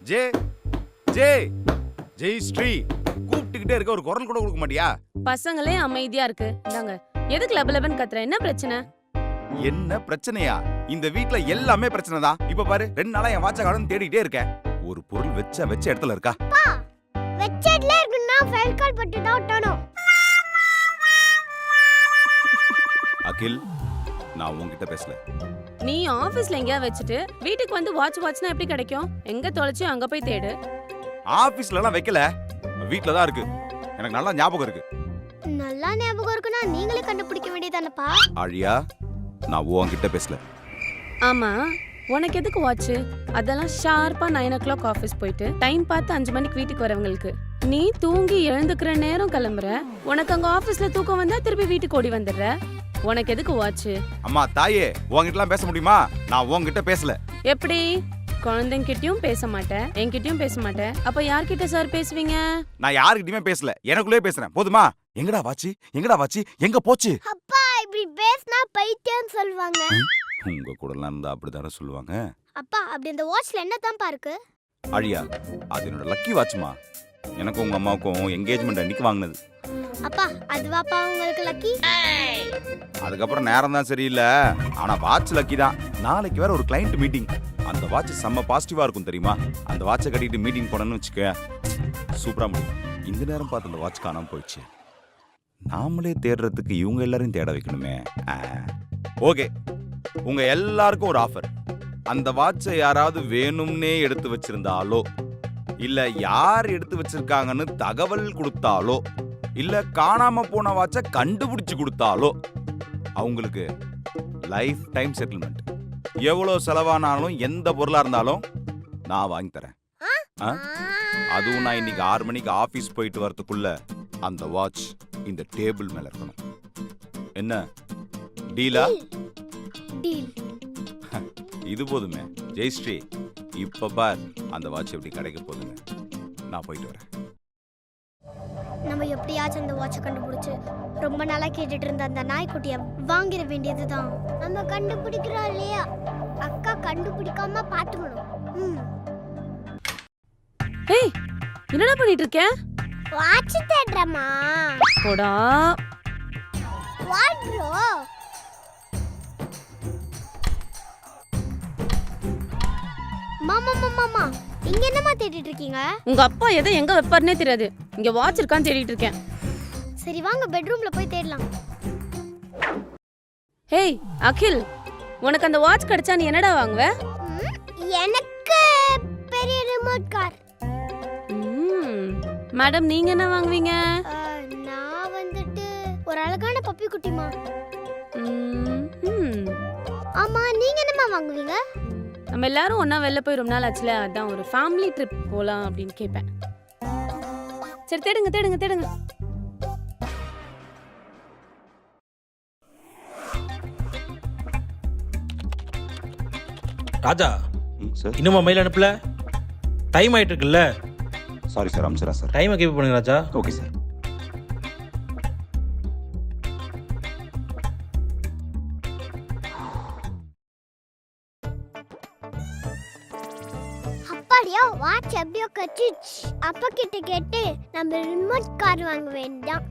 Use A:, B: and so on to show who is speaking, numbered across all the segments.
A: J ஜே ஜெய் ஸ்ரீ கூப்பிட்டுக்கிட்டே இருக்க, ஒரு குரல் கூட கொடுக்க மாட்டியா?
B: பசங்களே அமைதியா இருக்கு. இந்தாங்க. எதுக்கு லபலபன் கத்துற? என்ன பிரச்சனை?
A: என்ன பிரச்சனையா? இந்த வீட்ல எல்லாமே பிரச்சனை தான். இப்ப பாரு, 2 நாளா என் வாட்ச காணோம்னு தேடிட்டே இருக்கேன். ஒரு பொருள் வச்ச இடத்துல இருக்கா?
C: வெச்சட்ல இருக்குன்னா ஃபைல் கால் பட்டு தான் ஒட்டணும்.
A: அகில், நான் உன்கிட்ட பேசல.
B: நீ ஆபீஸ்ல எங்கயா வச்சுட்டு வீட்டுக்கு வந்து வாட்ச்னா எப்படி கிடைக்கும்? எங்க தொலைச்சு அங்க போய் தேடு.
A: ஆபீஸ்ல எல்லாம் வைக்கல, வீட்ல தான் இருக்கு. எனக்கு நல்லா ஞாபகம் இருக்கு.
C: நல்லா ஞாபகம் இருக்குன்னா நீங்களே கண்டுபிடிக்க வேண்டியதானப்பா.
A: ஆழியா, நான் உன்கிட்ட பேசல.
B: ஆமா, உனக்கு எதுக்கு வாட்ச்? அதெல்லாம் ஷார்ப்பா 9 o'clock ஆபீஸ் போயிட்டு டைம் பார்த்து 5 மணிக்கு வீட்டுக்கு வரவங்களுக்கு. நீ தூங்கி எழுந்துக்கிற நேரம் கிளம்புற. உனக்கு அங்க ஆபீஸ்ல தூக்கம் வந்தா திருப்பி வீட்டுக்கு ஓடி வந்துடுற. உனக்கு எதுக்கு வாட்ச்?
A: அம்மா தாயே, உன்கிட்டலாம் பேச முடியுமா? நான் உன்கிட்ட பேசல.
B: எப்படி? குழந்தைங்கிட்டயும் பேச மாட்டேன், என்கிட்டயும் பேச மாட்டேன். அப்ப யார்கிட்ட சார் பேசுவீங்க?
A: நான் யாருக்கிட்டயுமே பேசல, எனக்குள்ளே பேசுறேன். போதுமா? எங்கடா வாட்சி? எங்கடா வாட்சி? எங்க போச்சு?
C: அப்பா இப்படி பேசினா பைத்தியம் சொல்வாங்க.
A: உங்க கூடலாம் இருந்தா அப்படிதானே சொல்லுவாங்க.
C: அப்பா அப்படி இந்த வாட்ச்ல என்னதான்ப்பா இருக்கு?
A: அழியா, அது என்னோட லக்கி வாட்ச்மா. எனக்கும் உங்க அம்மாவுக்கும் என்கேஜ்மெண்ட் அன்னைக்கு வாங்கினது.
C: அப்பா அதுவாப்பா உங்களுக்கு லக்கி?
A: அதுக்கப்புறம் நேரம் தான் சரியில்லை, ஆனா வாட்ச் லக்கி தான். நாளைக்கு வேற ஒரு கிளைண்ட் மீட்டிங். அந்த வாட்ச் செம்ம பாசிட்டிவா இருக்கும் தெரியுமா? அந்த வாட்சை கட்டிட்டு மீட்டிங் போனோன்னு வச்சுக்க, சூப்பரா முடியும். இந்த நேரம் பார்த்து அந்த வாட்ச் காணாம போயிடுச்சு. நாமளே தேடுறதுக்கு இவங்க எல்லாரையும் தேட வைக்கணுமே. ஓகே, உங்க எல்லாருக்கும் ஒரு ஆஃபர். அந்த வாட்சை யாராவது வேணும்னே எடுத்து வச்சிருந்தாலோ, இல்ல யார் எடுத்து வச்சிருக்காங்கன்னு தகவல் கொடுத்தாலோ, இல்ல காணாம போன வாட்சை கண்டுபிடிச்சு கொடுத்தாலோ அவங்களுக்கு லைஃப் டைம் செட்டில்மெண்ட். எவ்வளவு செலவானாலும் எந்த பொருளா இருந்தாலும் நான் வாங்கி தரேன். அதுவும் நான் இன்னைக்கு 6 மணிக்கு ஆபீஸ் போயிட்டு வரதுக்குள்ள அந்த வாட்ச் இந்த டேபிள் மேல இருக்கணும். என்ன டீலா?
C: டீல்.
A: இது போதுமே ஜெயஸ்ரீ. இப்ப பார் அந்த வாட்ச் எப்படி கிடைக்க போகுதுன்னு. நான் போயிட்டு வரேன்.
C: நம்ம எப்படியாச்சும் அந்த வாட்சை கண்டுபிடிச்சு ரொம்ப நாளா கேட்டுட்டு இருந்த அந்த நாய்க்குட்டியை வாங்கிட வேண்டியதுதான். நம்ம கண்டுபிடிக்கிறோம் இல்லையா? அக்கா கண்டுபிடிக்காம பாத்துக்கணும்.
B: ஏய், என்னடா பண்ணிட்டு இருக்க?
C: வாட்ச் தேடுறமா?
B: போடா.
C: What bro? மாமா மாமா இங்க என்னமா தேடிட்டு இருக்கீங்க?
B: உங்க அப்பா எதை எங்க வைப்பாருனே தெரியாது. இங்க வாட்ச் இருக்கான்னு தேடிட்டு இருக்கேன்.
C: சரி வாங்க பெட்ரூம்ல போய் தேடலாம்.
B: ஹேய் அகில், உனக்கு அந்த வாட்ச் கிடைச்சா நீ என்னடா வாங்குவ?
C: எனக்கு பெரிய ரிமோட் கார்.
B: மேடம், நீங்க என்ன வாங்குவீங்க?
C: நான் வந்துட்டு ஒரு அழகான பப்பி குட்டிமா. ஆமா, நீங்க என்னமா வாங்குவீங்க?
B: நம்ம எல்லாரும் ஒண்ணா வெளில போய் ரொம்ப நாள் ஆச்சுல, அதான் ஒரு ஃபேமிலி ட்ரிப் போலாம் அப்படின்னு கேட்பேன். சரி தேடுங்க தேடுங்க தேடுங்க.
D: ராஜா,
A: சார்
D: இன்னுமா மெயில் அனுப்பல? டைம் ஆயிட்டு இருக்குல்ல?
A: சாரி சார், அம்சரா சார்.
D: டைமை கீப் பண்ணுங்க ராஜா.
A: Okay sir.
C: அப்படியே வாட்ச் எப்படியோ கட்டிச்சு. அப்பா கிட்ட கேட்டு நம்ம ரிமோட் கார் வாங்க வேண்டாம்.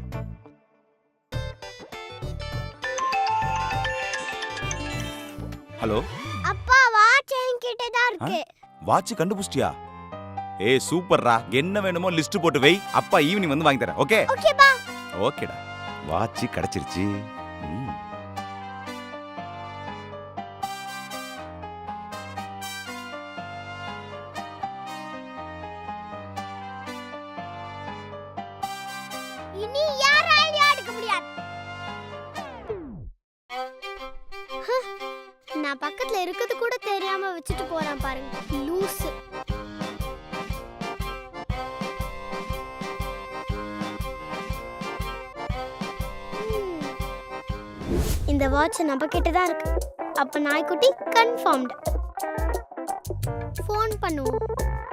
A: ஹலோ
C: அப்பா, வாட்ச் என்கிட்ட தான் இருக்கு.
A: வாட்ச் கண்டுபிடிச்சிட்டியா? ஏய் சூப்பர்ரா. என்ன வேணுமோ லிஸ்ட் போட்டு வை, அப்பா ஈவினிங் வந்து வாங்கி தரேன். ஓகே
C: ஓகே பா.
A: ஓகேடா, வாட்ச் கிடைச்சிருச்சு.
C: இனி யாராலையும் எடுக்க முடியாது. நான் பக்கத்துல இருக்கிறது கூட தெரியாம வச்சுட்டு போறான் பாருங்க, லூஸ். இந்த வாட்ச் நம்ம கிட்ட தான் இருக்கு. அப்ப நாய்க்குட்டி கன்ஃபார்ம்டு. ஃபோன் பண்ணுவோம்.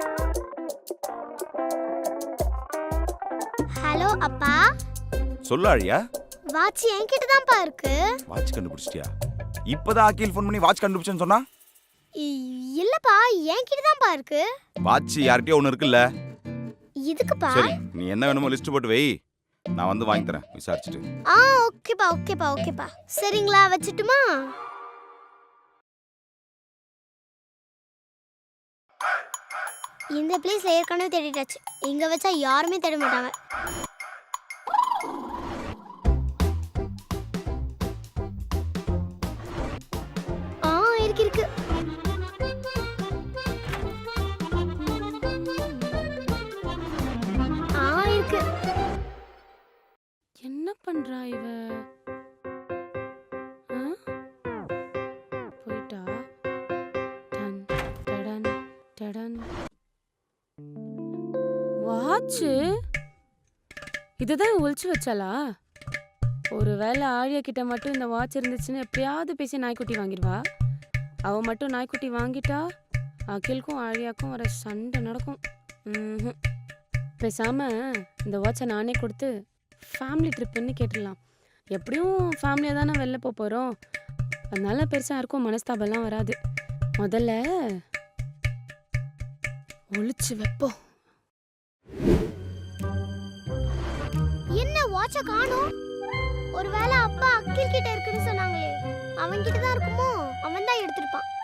C: ஹலோ அப்பா.
A: சொல்லு ஆழியா.
C: வாட்ச் என்கிட்ட தான்ப்பா இருக்கு.
A: வாட்ச் கண்டுபிடிச்சிட்டியா? இப்பதான் அகில் ஃபோன் பண்ணி வாட்ச் கண்டுபிடிச்சேன்னு சொன்னா?
C: இல்லப்பா என்கிட்ட தான்ப்பா இருக்கு.
A: வாட்ச் யார்கிட்டயோ ஒன்று இருக்குல்ல.
C: இதுக்குப்பா.
A: சரி நீ என்ன வேணுமோ லிஸ்ட் போட்டு வை, நான் வந்து வாங்கி தரேன் விசாரிச்சுட்டு.
C: ஓகேப்பா. சரிங்களா, வச்சுட்டுமா? இந்த பிளேஸ்ல ஏற்கனவே தேடிட்டாச்சு. இங்க வச்சா யாருமே தேட மாட்டாங்க. இருக்கு. இருக்கு.
B: என்ன பண்றா இவ? போயிட்டா. டன் டடன் டடன். வாட்ச் இதுதான் ஒளிச்சு வச்சாளா? ஒருவேளை ஆழியா கிட்ட மட்டும் இந்த வாட்ச் இருந்துச்சுன்னு எப்பயாவது பேசி நாய்க்குட்டி வாங்கிடுவா. அவ மட்டும் நாய்க்குட்டி வாங்கிட்டா அகிலுக்கும் ஆழியாக்கும் வர சண்டை நடக்கும். பேசாம இந்த வாட்சை நானே கொடுத்து ஃபேமிலி ட்ரிப்புன்னு கேட்டுடலாம். எப்படியும் ஃபேமிலியாக தானே வெளில போகிறோம், அதனால பெருசாக யாருக்கும் மனஸ்தாபம்லாம் வராது. முதல்ல ஒளிச்சு வைப்போம்.
C: என்ன வாட்ச காணோம்? ஒருவேளை அப்பா அகில் கிட்ட இருக்குன்னு சொன்னாங்களே, அவன் கிட்ட தான் இருக்குமோ? அவன் தான் எடுத்திருப்பான்.